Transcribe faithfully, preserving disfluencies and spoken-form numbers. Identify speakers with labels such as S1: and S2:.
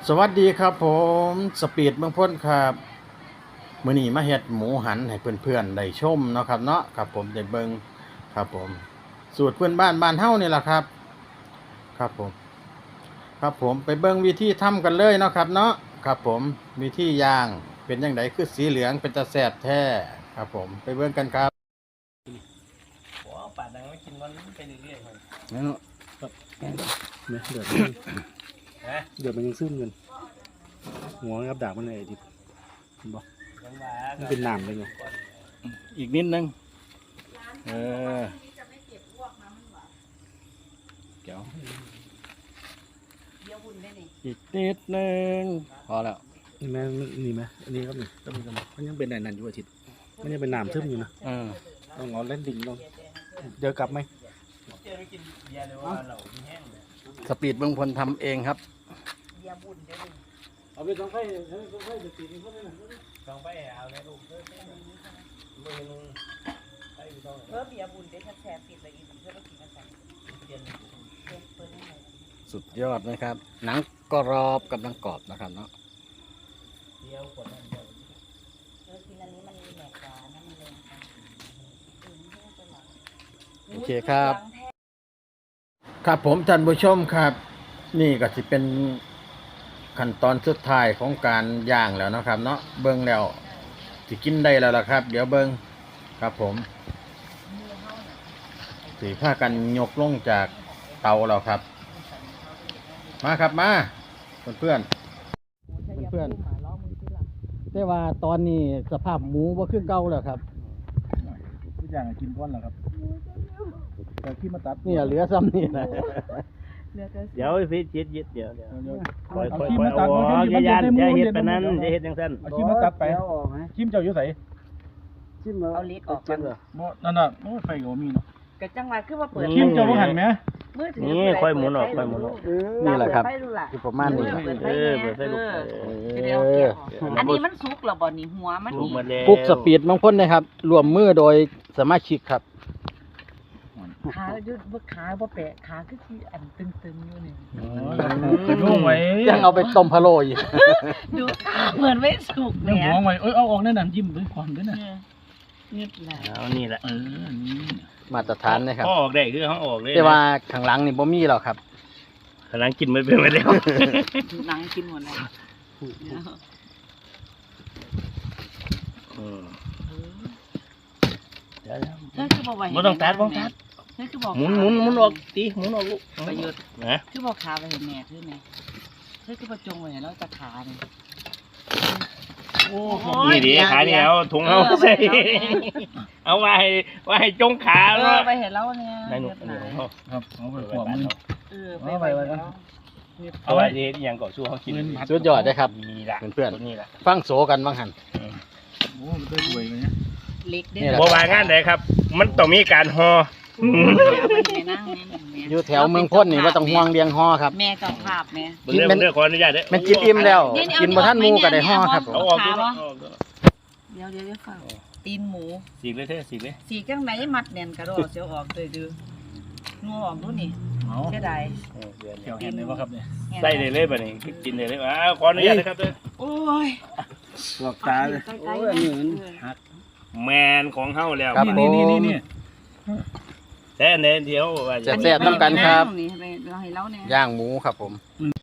S1: สวัสดีครับผมสปีดเมืองพ้นครับมื้อนี้มาเฮ็ดหมูหันให้เพื่อนๆได้ชมเนาะครับเนาะครับผมได้เบิ่งครับผมสูตรเพื่อนบ้านบ้านเฮานี่แหละครับครับผมครับผมไปเบิ่งวิธีทำกันเลยเนาะครับเนาะครับผมวิธีย่างเป็นจังไดคือสีเหลืองเป็นตาแซ่บแท้ครับผมไปเบิ่งกันครับ
S2: โอ้ปาดดังไม่กินมันไปเรื่อยๆมัน
S1: นั่นเนาะ
S3: เนี่ยเดือดเดือดมันยังซึมกันหัวกับดาบมันเลยดิบอกมันเป็นน้ำเลยไง
S1: อีกนิดนึงเออเดี๋ยวอีกนิดนึงพอแล้ว
S3: นี่ไหมนี่ไหมอันนี้ครับนี่ต้องมีกันมันยังเป็นไหนนั่นอยู่อาทิตย์มันยังเป็นน้ำซึมอยู่นะต้องเอาเล่นดิ่งลงเดี๋ยวกลับไหม
S1: สปีดเมืองพลทำเองครับ
S3: เอาไปสองไฟสองไฟจะตีนี่เพื่อน
S2: สองไปเอาในลูกเพิ่มมือนึงไปต้อง
S4: เพิ่มเบียร์บุญได้แชร์ปิดเลยอีกเพื่อเรากินกันใส่เย็นเปิดให้
S1: สุดยอดนะครับหนังกรอบกับหนังกรอบนะครับเนาะ
S2: เดียวกดนั่นเดียว
S4: เออกินอันนี้มันมีแหนกกว่านั่นมันเลย
S1: โอเคครับครับผมท่านผู้ชมครับ นี่ก็จะเป็นขั้นตอนสุดท้ายของการย่างแล้วนะครับเนาะเบิ้งแล้วสิกินได้แล้วล่ะครับ เดี๋ยวเบิ้งครับผมสีผ้ากันยกลงจากเตาแล้วครับมาครับมาเพื่อนเพื่อนเพื่อนแต่ว่าตอนนี้สภาพหมูว่าขึ้นเก่าแล้วครับ
S3: ทุกอย่างกินก้อนแล้วครับแต่ที่มาตัด
S1: นี่เหลือซ้ำนี่นะ
S2: เดี๋ยวพี่จิตยึดเดี๋ยวเดี๋ยวคอยคอยคอยเอาอย่ายันอย่าเห็ดแบบนั้นอย่าเห็ดอย่างนั้น
S3: เอาขี้มาตัดไปขี้เจ้าอยู่ใส่
S4: จิ้มเอาเล็กออกกัน
S3: นั่นน่ะโอ้ไฟโยมีเนาะ
S4: กระจังหวะคือว่าเปิด
S3: ขี้เจ้าบ่หันไหม
S2: นี่ค่อยหมุนออกค่อยหมุนออก
S1: นี่แหละครับคือประมาณนี้
S2: เออเปิดไฟลุก
S4: อันนี้มันสุกหรอบ่นี่หัวมัน
S1: ปุ๊กสปีดเมืองพ้นนะครับรวมมือโดยสมาชิกครับ
S4: ขายุดบ่ขาบ่แปะขาคือที่อันตึงๆอยู่นี่
S3: นุ่งไว้
S1: ยังเอาไปต้มพะโล้อยู่
S4: ดูเหมือนไม่สุก
S3: เนี่ยหัวไว้เอ้ยเอาออกแน่นอนยิ้มด้วยความด้วยนะ
S4: นี่แหละ
S2: เอานี่แหละ
S3: เออนี่
S1: มาตรฐานนะครับ
S2: ออกได้คือเขาออกเลย
S1: แต่ว่าข้างหลังนี่บ่มีหรอกครับ
S2: ข้างหลังกินไม่เป็นไปแล้ว
S4: หลังกินหมดแล้วเฮ้ยคือบอกว่า
S2: ไม่ต้องตัดไม่ต้องตัด
S4: เฮ้ยคือบอก
S2: หมุนหมุนหมุนออกตีหมุนออกลูก
S4: ประยุทธ์นะคือบอกขาไปเห็นแม่คือไงเฮ้ยคือประจงไว้เห็นแล้วจะขาเนี่ย
S2: นี่ดิขาเนี่ยเอาถุงเอาใส่เอาไว้ไว้จงขา
S4: เออไปเห็นแล้วเนี่ย
S2: ในหนุ่ม
S3: ครับเอาไปขวบมือ
S4: เออไปไปแล้ว
S2: เอาไว้ที่ยังก่อสู้เขากิน
S1: สุดยอดได้ครับเพื่อน
S2: ๆนี่แหละ
S1: ฟังโสกันบ้างหัน
S3: โอ้มันได้รวยเลยเนี่ย
S4: เล็กได้
S2: บ่ว่างานไหนครับมันต้องมีการห่อ
S1: อยู่แถวเมืองพ้นนี่ว่าต้องห่วงเลี้ยงห่อครับ
S4: แม่กับภาพแม่
S2: กินเป็นเรื่องขออนุญาตเด้อ
S1: มันกินอิ่มแล้วกินบ่ทันหมูก็ได้ห่อครับ
S2: เอาออก
S4: เดี๋ยวเดี๋ยวฝากตีนหมู
S2: สีเลยเท่สีเลย
S4: สีจังไหนมัดแน่นกระโดดเสียวออกเลยดูงัวออกดูนี่เสียดาย
S3: เกี่ยวเห็นเลยว่าครับเนี่ย
S2: ใส่เลยเลยแบบนี้กินเลยเลยอ้าวขออนุญาตนะครับเด้อ
S4: โอ้ย
S3: สวกตาเลยโอ้ยอันนี้มันหัก
S2: แมนของเฮาแล้ว
S3: นี่นี่นี่นี่
S2: แต่เน้นเดียวว่า
S1: จะแซ่บน้ำกันครับย่างหมูครับผม